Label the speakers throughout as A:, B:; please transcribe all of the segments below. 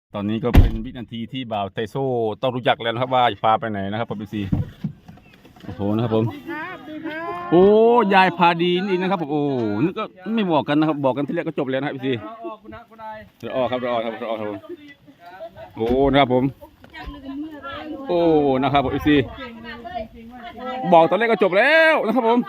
A: ตอนนี้ก็เป็นวินาทีที่บ่าวไทโซ่ต้องรู้จักแล้วนะครับว่าจะพาไปไหนนะครับผมพี่ซีโอ้โหนะครับผมโอ้ยายพาดีนี่นะครับผมโอ้นึกก็ไม่บอกกันนะครับบอกกันที่แรกก็จบแล้วนะครับพี่ซีเราออกครับเราออกครับเราออกครับผมโอ้นะครับผมโอ้นะครับผมพี่ซีบอกตอนแรกก็จบแล้วนะครับผม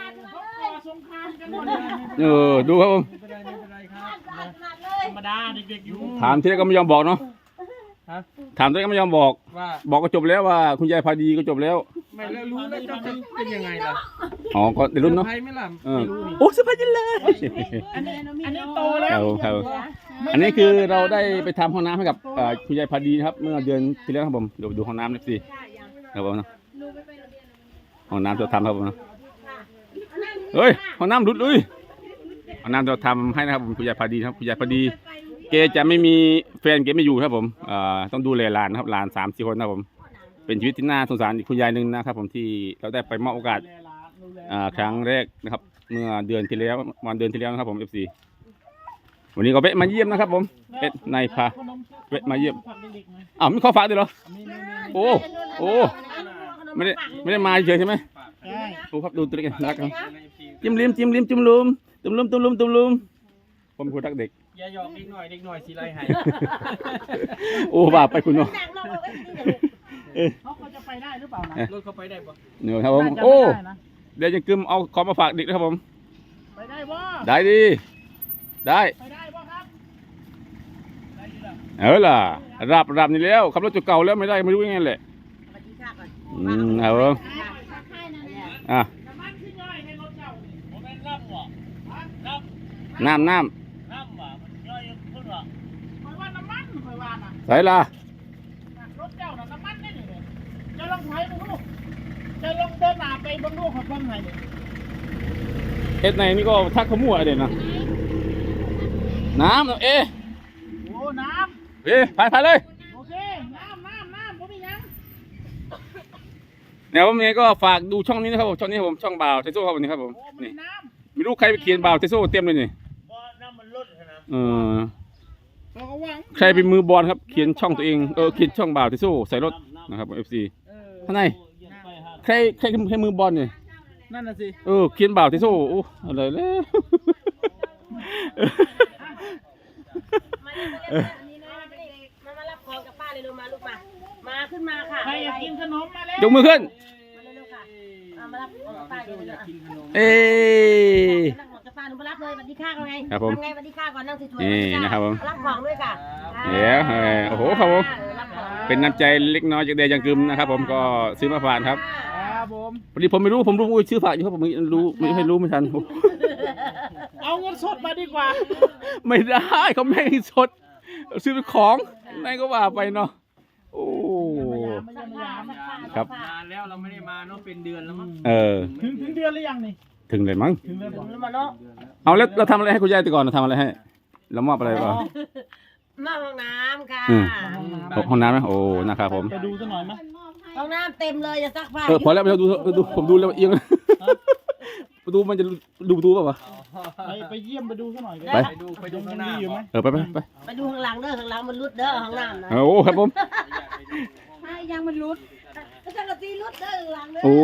A: ดูครับผม
B: ธรรมดาเด็กๆอยู่
A: ถามที่แรกก็ไม่ยอมบอกเนาะถามที่แรกก็ไม่ยอมบอกบอกก็จบแล้วว่าคุณยายพาดีก็จบแล้ว
B: ไม่แล้วรู้แล้วจะเป็นยังไงล่ะ
A: อ๋อก็ในรุ่นเนาะ
B: ไม่ล่ะไม่รู้นี่
A: โอ้สบายจังเลย
B: อันนี้โตแล้ว
A: ครับอันนี้คือเราได้ไปทำห้องน้ำให้กับคุณยายพาดีครับเมื่อเดือนที่แล้วครับผมเดี๋ยวดูห้องน้ำหน่อยสิครับผมห้องน้ำเราทำครับผมเฮ้ยห้องน้ำรุดเลยห้องน้ำเราทำให้นะครับผมคุณยายพาดีครับคุณยายพาดีแกจะไม่มีแฟนแกไม่อยู่ครับผมต้องดูแลหลานครับหลาน3-4 คนครับผมเป็นชีวิตที่น่าสงสารอีกคุณยายหนึ่งนะครับผมที่เราได้ไปมอบโอกาสครั้งแรกนะครับเมื่อเดือนที่แล้ววันเดือนที่แล้วนะครับผม FC วันนี้ก็เวะมาเยี่ยมนะครับผมนายพาเวะมาเยี่ยมอ้าวไม่ขอฝากด้วยเหรอโอ้ไม่ได้มาเฉยใช่ไหมโอ้ครับดูตัวเล็กรักครับจิ้มลิ้มจุ่มลุมผมคนรักเด็ก
B: อย่าหยอกเด็กหน่อยสิไรหาย
A: โอ้บาปไปคุณเนาะ
B: เขาจะไปได้หรือเปล่านะรถเขาไปได้ปะ
A: เนี่ยครับผมโอ้เดี๋ยวจะกึมเอาของมาฝากเด็กนะครับผม
B: ไปได้บ่
A: ได้ดีได้
B: ไปได้บ่ครับ
A: ล่ะรับนี่แล้วขับรถจุดเก่าแล้วไม่ได้ไม่รู้ยังไงแหละครับผมน้ำใส่ละ
B: รถเจ้าน่ะน้ำมันนี่เลยจะลองไถดูลูกจะลองเดินหน้าไปบนลูกของคนไหนเนี่ย
A: เอ็ดไหนนี่ก็ทักขมั่วเด่นนะน้ำโ
B: โอ้น้
A: ำพายเลย
B: โอเคน้ำผมมียัง
A: เนี่ยผมเนี่ยก็ฝากดูช่องนี้นะครับผมช่องนี้ผมช่องบ่าวเทโซ่ครับวันนี้ครับผมนี่ไม่รู้ใครไปเขียนบ่าวเทโซ่เต็มเลยนี่
B: น้ำมันลด
A: นะใครเป็นมือบอลครับเขียนช่องตัวเองเขียนช่องบ่าวเทโซ่ใส่รถนะครับ FC ข้างในใครให้มือบอลเนี่ย
B: นั่นน่ะสิ
A: เขียนบ่าวเทโซ่โอ้อะไรเลย
C: มารับของกับป้าเลยลูกมาขึ้นมาค่ะ
B: ใครอยากกินขนมมาแล้ว
A: ยกมือขึ้น
C: มารับของกับป้าเลย
B: อยากกินขนม
C: นั่งของกับป้าหนูมารับเลยสวัสดีค่ะก่อนไง
A: ครับผม
C: ไงสวัสดีค่ะก่อนนั่งสวย
A: ๆนี่นะครับผม
C: รับของด้วยค่ะ
A: เดี๋ยวโอ้โหครับผมเป็นน้ำใจเล็กน้อยจากเดียยังกึมนะครับผมก็ซื้อมาฝากครับพอดีผมไม่รู้ชื่อฝากอยู่ครับผมไม่รู้ไม่ทัน
B: เอาเงินสดมาดีกว่า
A: ไม่ได้เขาไม่ให้สดซื้อเป็นของไหนก็ว่าไปเนาะโอ้ครับ
B: นานแล้วเราไม่ได้มาเนาะเป็นเดือนแล้วมั้งถึงเดือนหรือยังนี่
A: ถึงเลยมั้ง
C: ถึงมาเนาะ
A: เอาแล้วเราทำอะไรให้คุณยายแต่ก่อนเราทำอะไรให้เรามอบอะไรป่ะ
C: ห้องน้ำค่ะ
A: ห้องน้ำนะโอ้นะครับผม
B: ไปดูสักหน่อยมั้ย
C: ห้องน้ำเต็มเลยอย่าซักผ้า
A: พอแล้วเราดูผมดูแล้วเอียงประตูมันจะดูประตูป่ะ
B: ไปเยี่ยมไปดูสักหน่อยไปดูข้างหน้า
A: อยู่ไหม
C: ไปดูข้างหลังเด้อข้างหลังมันรุดเด้อห้องน้ำนะ
A: โอ้ครับผม
C: ยังมันรุดก็จะกระตีรุดเด้อหลังเด้อ
A: โอ้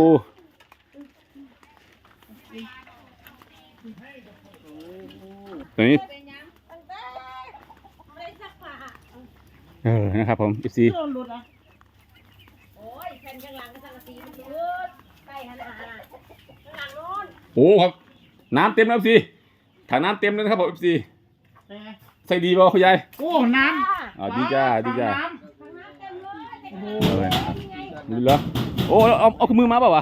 A: ตัวนี้นะครับผม14
C: โอ้ยแผ่นข้างหลังก็จะกระตีมันรุดใกล้ขนาดข้างหลังโน้น
A: โอ้ครับน้ำเต็มแล้วสิถังน้ำเต็มเลยนะครับผม14ใส่ดีป่ะคุณยาย
B: โอ้น้ำ
A: ดีจ้า
C: ถังน้ำเต็มเลย
A: นี่เหรอโอ้เอามือมาเปล่าวะ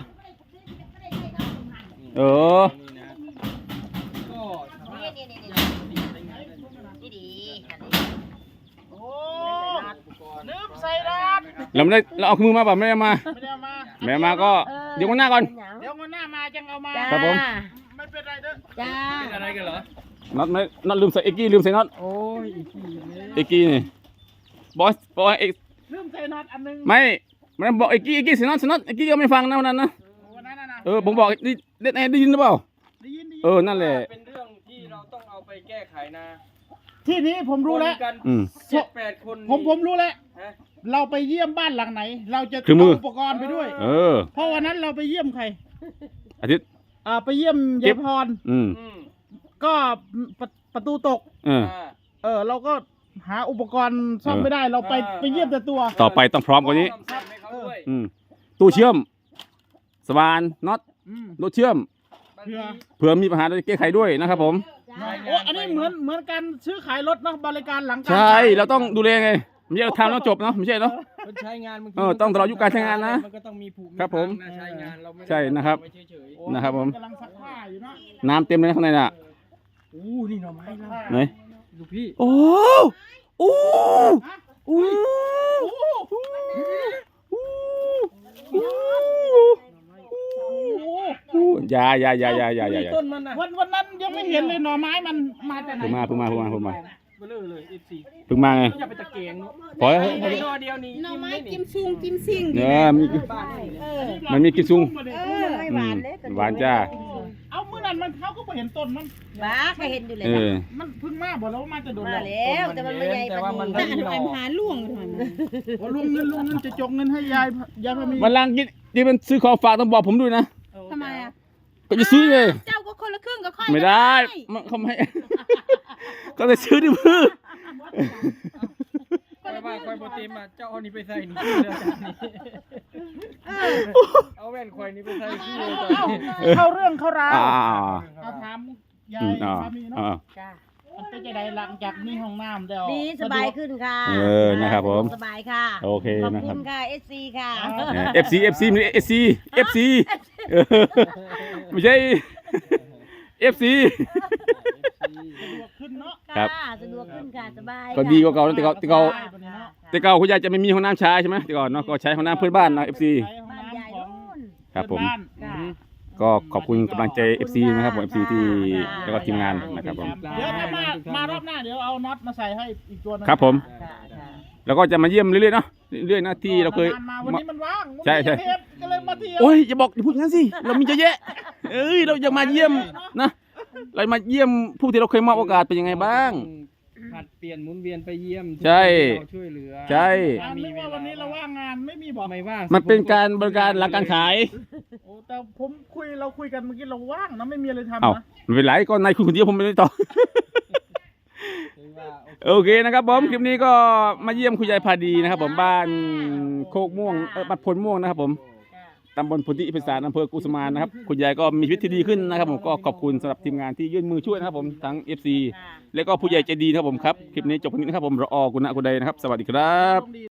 B: ลืมใส่ดาบ
A: เราเอามือมาเปล่าไม่ได้มาแม่มาก็เดี๋ยววันหน้าก่อน
B: เดี๋ยววันหน้ามาจังเอามา
A: ครับผม
B: ไม่เป็นไรเด้อ
C: จ้า
B: เป็นอะไรกันเหรอ
A: น็อตลืมใส่เอ็กกี้ลืมใส่น็อต
B: โอ้ย
A: เอ็กกี้นี่บอส
B: ลืมใส่น็อตอันนึง
A: ไม่มันบอกเอ็กกี้ใส่น็อตเอ็กกี้ก็ไม่ฟังนะวันนั้นนะผมบอกได้ยินหรือเปล่า
B: ได้ยิน
A: นั่นแหละ
B: เป็นเรื่องที่เราต้องเอาไปแก้ไขนะที่นี้ผมรู้แล้ว
D: กัน
A: อืม
D: 7-8 คน
B: ผมรู้แล้ว
D: ฮะ
B: เราไปเยี่ยมบ้านหลังไหน เราจะ
A: คือมือ
B: เาอุปกรณ์ไปด้วย
A: เออ
B: เพราะวันนั้นเราไปเยี่ยมใคร
A: อาทิตย์
B: ไปเยี่ยม
A: เก็
B: ยาย
A: บ
B: พร
A: อืม
D: อืม
B: ก็ประตูตก
A: เออ
B: เราก็หาอุปกรณ์ซ่อมไม่ได้ เราไปเยี่ยมแต่ตัว
A: ต่อไปต้องพร้อมกว่านี้
D: ทำซ่อมให้เขาด้วย
A: อืมตู้เชื่อม สว่านน็อต
B: อืม
A: รถเชื่อม
D: บาง
B: เพื่อ
D: ที
A: เผื่อมีปัญหาจะแก้ไขด้วยนะครับผม
B: โอ้อันนี้เหมือนการซื้อขายรถเนาะบริการหลังการ
A: ใช่
B: ขาย
A: เราต้องดูแลไงไม่ใช่เราทำแล้วจบเนาะไม่ใช่เนาะ
D: มันใช้งานบางที
A: ต้องตลอดอายุการใช้งานนะ
D: มันก็ต้องมีผูก
A: ครับผม
D: นะใช้งานเราไม่ได้
A: ใช่นะครับ
D: ไว้เฉย
B: โอ้
A: นะครับผม
B: กำลังซักผ้าอยู่เนาะ
A: น้ำเต็มเลยนะข้างในน่ะ
D: ๆอู้นี่หน่อไม้เรา
A: ไหน
D: ดูพี่
A: โอ้โอ้โอ้อย่า
D: มีต้นมันนะ
B: วันนั้นยังไม่เห็นเลยหน่อไม้มันมาจากไหน
A: เพิ่งมา
D: เบลอเลย FC
A: เพิ่งมาไง
D: อย่าไปตะเกียงเนาะ
A: ปล่อยให้
D: ไอ้นอเดียวนี่
C: หน่อไม้
D: กิ
C: กิ
D: น
C: มซุงกิมซิ่ง
A: เนี่ยมี
D: บ้านนี่
C: เออ
A: มันมีกิซุง
C: ไม่หวานเลย
A: หวานจ้า
B: เอาเมื่อนั้นมันเขาก็ไปเห็นต้นมัน
C: บ้าเคยเห็นอยู่เลย
A: เออ
B: มันเพิ่งมาบอกแล้วว่ามาจะโดน
C: มาแล้วแต่มันไม่ใหญ่
D: แต่ว่ามัน
C: ปาน
D: ไม่
C: นี้
D: หน่อ
C: หาล่วงทำไม
B: โอ้ลุงเงินจะจกเงินให้ยายพามี
A: วันหลังที่มันซื้อของฝากต้องบอกผมด้วยนะ
C: ทำไมอ่ะ
A: ก็จะซื้อเลย
C: เจ้าก็คนละครึ่งกับค่อย
A: ไม่ได้มันเขาไม่ ก็จะซื้อดิมือ
D: คอยว่าคอยโปรตีนมาเจ้าเอานี่ไปใส่นี่เอาแว่นคอยนี่ไปใส่ที่เลยตอนนี้
B: เข้าเรื่องเข้าราว
A: อ่า
B: เอาถามยา
A: อื
B: ย
A: มอ่า
B: พามีเนาะ
A: อ่า
C: จ้า
B: มันเป็นจะได้หลังจากมีห้องน้ำแล้ว
C: ดีสบายขึ้นค่ะ
A: นะครับผม
C: สบายค่ะ
A: โอเค
C: ขอบ
A: นะค
C: คุ
A: รับ
C: ณค่ะ SC ค่ะ
A: FC ไม่ใช่ FC ไม่ใช่ FC
B: สะดวกขึ้นเนาะ
A: ครับ
C: ค่ะสะดวกขึ้นค่ะสบาย
A: ก็ดีกว่าเก่านะแต่เก่า
B: สบายกว่านี้เนาะ
A: แต่เก่าคุณยายจะไม่มีห้องน้ำใช้ใช่ไหมแต่ก่อนเนาะก็ใช้ห้องน้ำเพื่อนบ้านนะ FC
B: ใช้ห้อง
C: บ้าน
B: น้ำ
C: ใหญ่
B: ของ
C: นู่น
A: ครับผม
B: เพื่อนาน
C: ค่ะ
A: ก็ขอบคุณกำลังใจ FC นะครับผม FC ที่แล้วก็ทีมงานนะครับผม
B: เดี๋ยวถ้ามารอบหน้าเดี๋ยวเอาน็อตมาใส่ให้อีกตัวหนึง
A: ครับผม
C: ค่ะค่ะ
A: แล้วก็จะมาเยี่ยมเรื่อยๆเนาะเรื่อยๆนะที่เราเคย
B: นานๆมาวันนี้มันว่าง
A: ใช่ใช่
B: วันนี้ก็เลยมาเที่ยว
A: โอ้ยอย่าบอกอย่าพูดอย่างนั้นสิเรามีเยอะแยะเอ้ยเราอยากมาเยี่ยมนะเรามาเยี่ยมผู้ที่เราเคยมอบโอกาสเป็นยังไงบ้าง
D: ผัดเปลี่ยนหมุนเวียนไปเยี่ยม
A: ใช่
D: เราช่วยเหลือ
A: ใช่
B: นึกว่าวันนี้เราว่างงานไม่มีบอก
D: ไม่ว่าง
A: มันเป็นการบริการหลังการขาย
B: โอ้แต่เราคุยกันเมื่อกี้เราว่างนะไม่มีอะไรทำ
A: เอ้า
B: นะ
A: ไม่เป็นไรก็นายคุณคนเดียวผมไม่ได้ต่อ
D: ถือว่า
A: โอเคนะครับผมคลิปนี้ก็มาเยี่ยมคุณยายพาดีนะครับผมบ้านโคกม่วงบ้านพลม่วงนะครับผม
C: ค่ะ
A: ตำบลพุทธิพิสารอำเภอกุสุมานนะครับคุณยายก็มีชีวิตที่ดีขึ้นนะครับผมก็ขอบคุณสำหรับทีมงานที่ยื่นมือช่วยนะครับผมทั้ง FC
C: ค่ะ
A: และก็ผู้ใหญ่ใจดีนะครับผมครับคลิปนี้จบตรงนี้นะครับผมรอกุณะกุไดนะครับสวัสดีครับ
B: ต้องดี